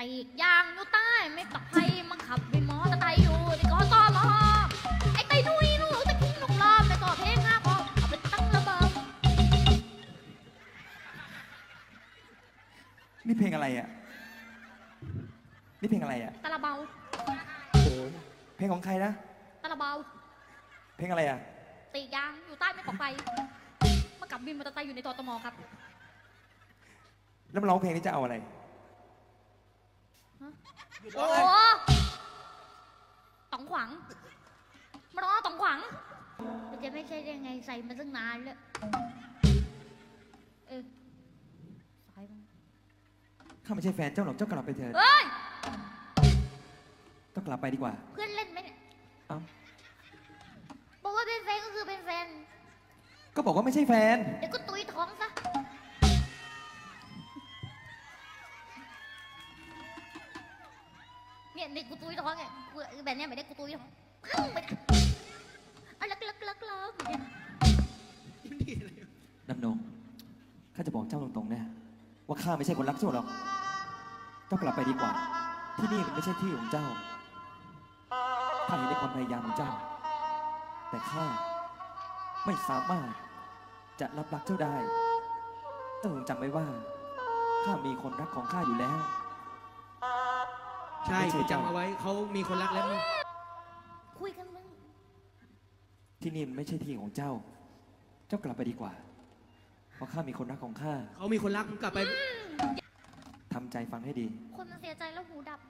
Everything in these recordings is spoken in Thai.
ปีกยางอยู่ใต้ไม่ปลอดภัยมาขับวินมอเตอร์ไซค์อยู่ที่กตมไอ้ไตนุ้ยลูกตะคิงลูกล้อมในก่อเพลงห้าพอเอาไปตั้งระเบิดนี่เพลงอะไรอ่ะนี่เพลงอะไรอ่ะตะละเบาเพลงของใครนะตะละเบาเพลงอะไรอ่ะปีกยางอยู่ใต้ไม่ปลอดภัยมาขับวินมอเตอร์ไซค์อยู่ในกตมครับแล้วมาร้องเพลงนี้จะเอาอะไรโอ้ต๋องขวังมาล้อต๋องขวังมันจะไม่ใช่ได้ไงใส่มาตั้งนานแล้วสายมันข้าไม่ใช่แฟนเจ้าหรอกเจ้ากลับไปเถิดเฮ้ยเจ้ากลับไปดีกว่าเพื่อนเล่นไหมเนี่ยเอ้าบอกว่าเป็นแฟนก็คือเป็นแฟนก็บอกว่าไม่ใช่แฟนเดี๋ยวก็ตุยท้องซะเนี่ยเด็กกูตุยท้องไงแบบเนี้ยไม่ได้กูตุยท้องไม่ได้เอาลักเนี่ยดำนงข้าจะบอกเจ้าตรงๆนะว่าข้าไม่ใช่คนรักเจ้าหรอก เจ้ากลับไปดีกว่า ที่นี่มันไม่ใช่ที่ของเจ้า ข้าเห็นในความพยายามของเจ้า แต่ข้าไม่สามารถจะรับรักเจ้าได้ เจ้าจงจำไว้ว่า ข้ามีคนรักของข้าอยู่แล้วใช่ไปจำเอาไว้เขามีคนรักแล้วมึงคุยกันมึงที่นี่มันไม่ใช่ที่ของเจ้า เจ้ากลับไปดีกว่า เพราะข้ามีคนรักของข้าเขามีคนรักมึงกลับไปทำใจฟังให้ดีคนมันเสียใจแล้วหูดับ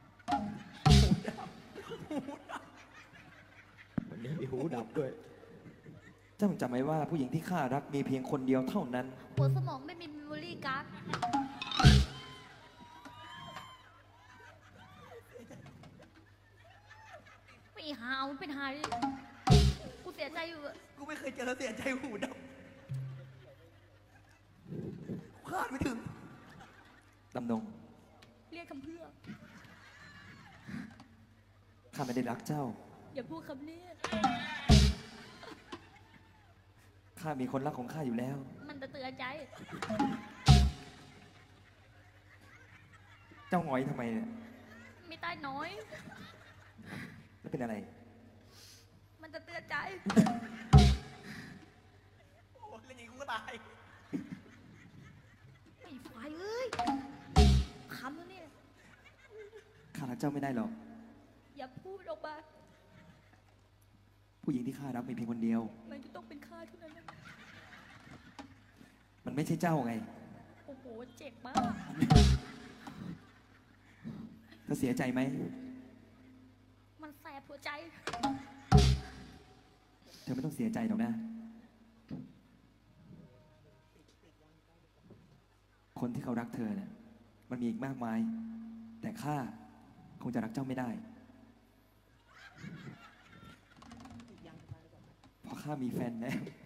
วันนี้มีหูดับด้วยเจ้าจงจำไว้ว่าผู้หญิงที่ข้ารักมีเพียงคนเดียวเท่านั้นหัวสมองไม่มีเมมโมรี่การ์ดไม่หาวเป็นหายกูเสียใจอยู่อะกูไม่เคยเจอเสียใจหูดับคาดไม่ถึงดำนงเรียกคำเพื่อข้าไม่ได้รักเจ้าอย่าพูดคำนี้ข้ามีคนรักของข้าอยู่แล้วมันจะเตือนใจเจ้าหงอยทำไมเนี่ยมีใต้น้อยแล้วเป็นอะไรมันจะเตือนใจโอ้เล่นอย่างนี้กูก็ตายไอ้ไฟเอ้ยคำแล้วเนี่ยข้ารักเจ้าไม่ได้หรอกอย่าพูดออกมาผู้หญิงที่ข้ารักมีเพียงคนเดียวมันจะต้องเป็นข้าเท่านั้นนะมันไม่ใช่เจ้าไงโอ้โห เจ็บมากเธอเสียใจไหมมันแสบหัวใจเธอไม่ต้องเสียใจหรอกนะ คนที่เขารักเธอเนี่ยมันมีอีกมากมาย แต่ข้าคงจะรักเจ้าไม่ได้ เพราะข้ามีแฟนแล้ว